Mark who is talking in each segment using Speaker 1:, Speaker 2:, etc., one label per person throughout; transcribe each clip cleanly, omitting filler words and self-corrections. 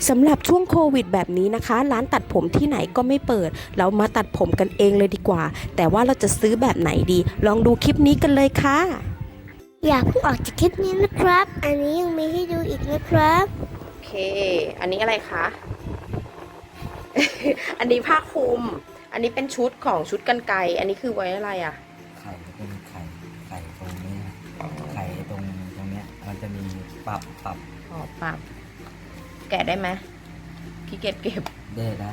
Speaker 1: สำหรับช่วงโควิดแบบนี้นะคะร้านตัดผมที่ไหนก็ไม่เปิดเรามาตัดผมกันเองเลยดีกว่าแต่ว่าเราจะซื้อแบบไหนดีลองดูคลิปนี้กันเลยค่ะ
Speaker 2: อย่าเพิ่งออกจากคลิปนี้นะครับ อันนี้ยังมีให้ดูอีกนะครับ
Speaker 1: โอเคอันนี้อะไรคะ อันนี้ผ้าคลุมอันนี้เป็นชุดของชุดกรรไกรอันนี้คือไว้อะไรอ่ะ
Speaker 3: ไข่จะเป็นไข่ตรงนี้นะไข่ตรงเนี้ยมันจะมีปรับ
Speaker 1: อ๋อปรับแกะได้ไหมขี้เกียจเก็บ
Speaker 3: ได้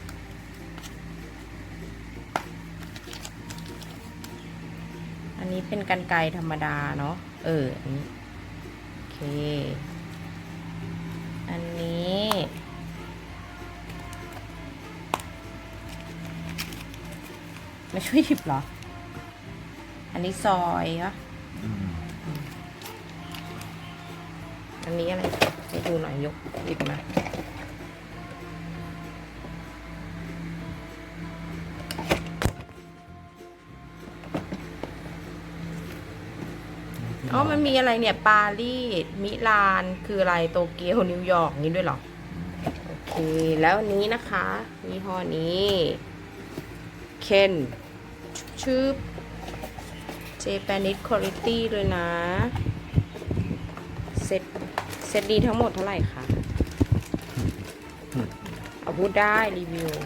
Speaker 1: อันนี้เป็นกรรไกรธรรมดาเนาะอันนี้โอเคอันนี้มาช่วยหยิบเหรออันนี้ซอยเหรออันนี้อะไรให้ดูหน่อยยกหยิบมาอ๋อมันมีอะไรเนี่ยปารีสมิลานคืออะไรโตเกียวนิวยอร์กนี้ด้วยเหรอโอเคแล้วอันนี้นะคะยี่ห้อนี้เคนชื่อ Japanese Quality เลยนะเซ็ตดีทั้งหมดเท่าไหร่คะเอาพูดได้รีวิว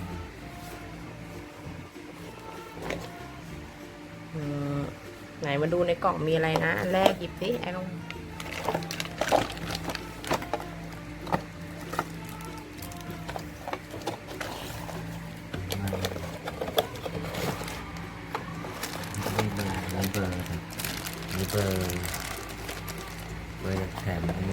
Speaker 1: ไหนมาดูในกล่องมีอะไรนะอันแรกหยิบสิไอ้ลง
Speaker 3: มีเบอร์แถมอันนี้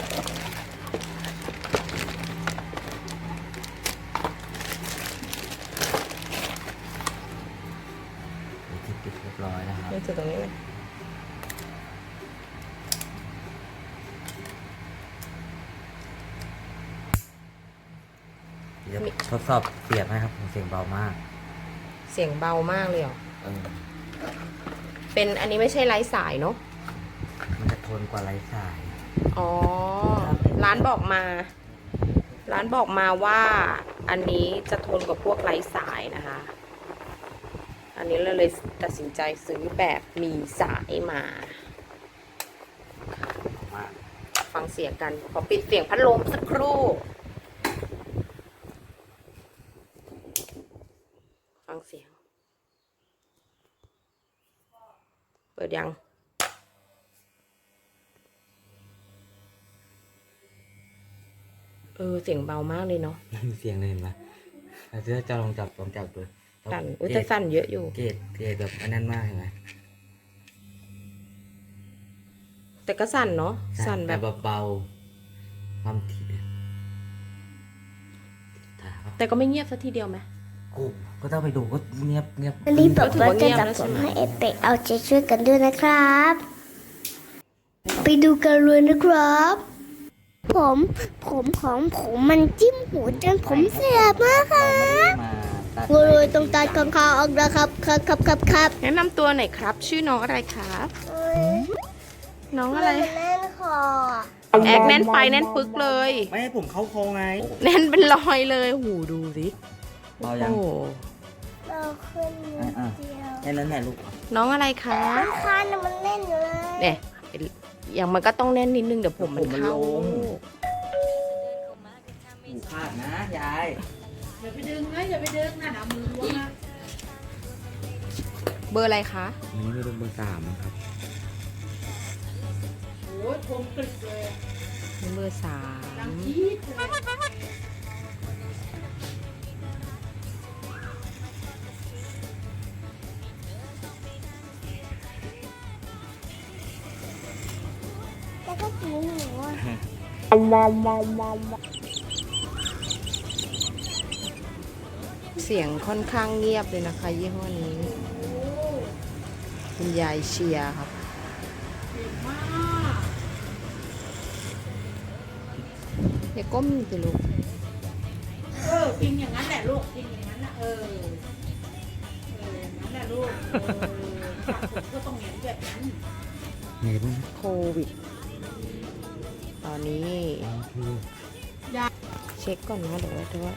Speaker 3: ที่ปิดเรียบร้อยนะครับ
Speaker 1: นี่คือตรงนี้ไหม
Speaker 3: เดี๋ยวทดสอบเสียบให้ครับเสียงเบามาก
Speaker 1: เสียงเบามากเลยเหรอเป็นอันนี้ไม่ใช่ไร้สายเนาะ
Speaker 3: มันจะทนกว่าไร้สาย
Speaker 1: อ๋อร้านบอกมาว่าอันนี้จะทนกว่าพวกไร้สายนะคะอันนี้เราเลยตัดสินใจซื้อแบบมีสายมาฟังเสียงกันขอปิดเสียงพัดลมสักครู่ฟังเสียงเปิดยังเสียงเบามากเลยเนาะ
Speaker 3: เสียงเลยเห็นไหมเดี๋ยวจะลองจับดู
Speaker 1: สั่นแต่สั่นเยอะอยู่
Speaker 3: เกตแบบอันนั้นมากเห็นไหม
Speaker 1: แต่ก็สั่นเนาะสั่นแบบ
Speaker 3: เบาความถี่
Speaker 1: แต่ก็ไม่เงียบสักทีเดียวไหม
Speaker 3: ก็ต้องไปดูก็เงียบ
Speaker 2: อันนี้บอกว่าจะตัดผมให้เอเปกเอาใจช่วยกันด้วยนะครับ ไปดูกันเลยนะครับผมของผมมันจิ้มหูจนผมเสียบมากครับเลยตรงตาข้างๆออกนะครับครับ
Speaker 1: แนะนำตัวหน่อยครับชื่อน้องอะไรครับน้องอะไร
Speaker 2: แน่นคอ
Speaker 1: แอกแน่นไปแน่นปึกเลย
Speaker 3: ไม่ให้ผมเข้าคอไง
Speaker 1: แน่นเป็นรอยเลยหูดูสิ
Speaker 3: เบายัง
Speaker 2: เราขึ้นเดียว
Speaker 3: แค่นั้นแหละลูก
Speaker 1: น้องอะไรคะ
Speaker 2: คันมันแน่นอยู่เลย
Speaker 1: เนี่ยอย่างมันก็ต้องแน่นนิดนึงเดี๋ยวผมมันเข้า
Speaker 3: พลาดนะยาย
Speaker 4: อย่าไปดึงนะอย่าไปดึงนะมือล้วงนะ
Speaker 1: เบอร์อะไรคะ
Speaker 3: อันนี้ไม่รู้เบอร์3ครับ
Speaker 4: โอ้ยคมกริบเลย
Speaker 1: เบอร์
Speaker 4: ดังจี๊ดเลย
Speaker 2: แล้วก็กินหนู
Speaker 1: เสียงค่อนข้างเงียบเลยนะคะยี่ห้อนี้คุณยายเชียร์ครับอย่าก้มสิลูก
Speaker 4: กินอย่างนั้นแหละลูกกินอย่างนั้นนะอย่างนั้นแหละลูกก็ต้องเห็นแบบนั้น
Speaker 3: เห็น
Speaker 1: โควิดตอนนี้เช็คก่อนนะเดี๋ยวว่า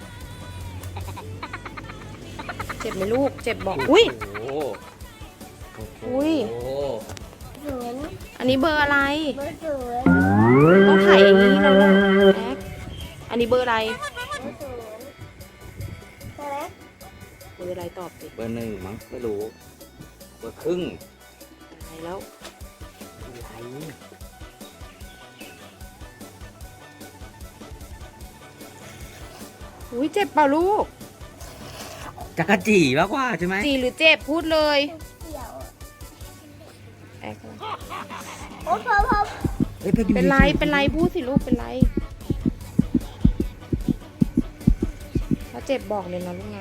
Speaker 1: เจ็บไหมลูก เจ็บบอก อุ้ย
Speaker 3: โอ้โห
Speaker 1: อุ้ย
Speaker 3: โอ้โห
Speaker 2: ศูนย์
Speaker 1: อันนี้เบอร์อะไร
Speaker 2: เบอร์ศูนย์
Speaker 1: ต้องถ่ายอย่างนี้แล้วลูกแอ๊กอันนี้เบอร์อะไร
Speaker 2: เบอร์ศูนย์ใช่ไหม
Speaker 1: เบอร์อะไรตอบสิ
Speaker 3: เบอร์หนึ่งมั้งไม่รู้เบอร์ครึ่ง
Speaker 1: ตายแล้ว
Speaker 3: อะไร
Speaker 1: อุ้ยเจ็บเปล่าลูก
Speaker 3: จักรจีมากกว่าใช่ไหม
Speaker 1: จีหรือเจ็บพูดเลย
Speaker 2: เกี่ยว
Speaker 1: แอ๊ก
Speaker 2: โอ้พอ
Speaker 3: เอ้ยไปดู
Speaker 1: เป็นไร
Speaker 3: ดิ
Speaker 1: เป็นไรพูดสิลูก เป็นไร ถ้าเจ็บบอกเลยนะลูกนะ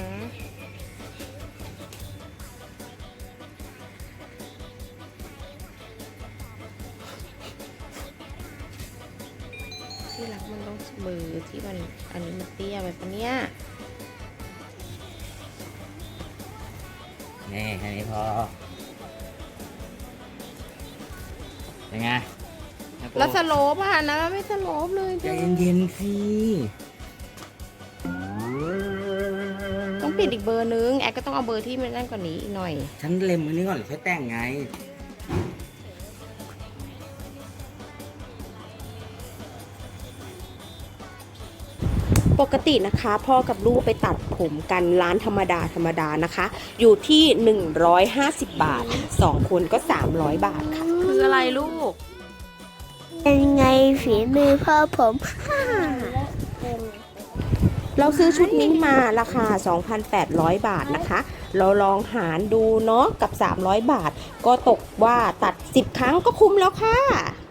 Speaker 1: ที่รักมันต้องมือที่มันอันนี้มันเตี้ยไปปะเนี่ย
Speaker 3: นี่แค่นี้พอยังไง
Speaker 1: แล้วสโลปอ่ะนะไม่สโลปเลย
Speaker 3: ใจเย็นๆสิ
Speaker 1: ต้องปิดอีกเบอร์นึง แอดก็ต้องเอาเบอร์ที่มันนั่นกว่านี้อีกหน่อย
Speaker 3: ฉันเล็มอันนี้ก่อนค่อยแต่งไง
Speaker 1: ปกตินะคะพ่อกับลูกไปตัดผมกันร้านธรรมดานะคะ อยู่ที่ 150 บาท 2 คนก็ 300 บาทค่ะ คืออะไรลูก
Speaker 2: เป็นไงฝีมือพ่อผม
Speaker 1: เราซื้อชุดนี้มาราคา 2,800 บาทนะคะ เราลองหารดูเนาะกับ 300 บาท ก็ตกว่าตัด 10 ครั้งก็คุ้มแล้วค่ะ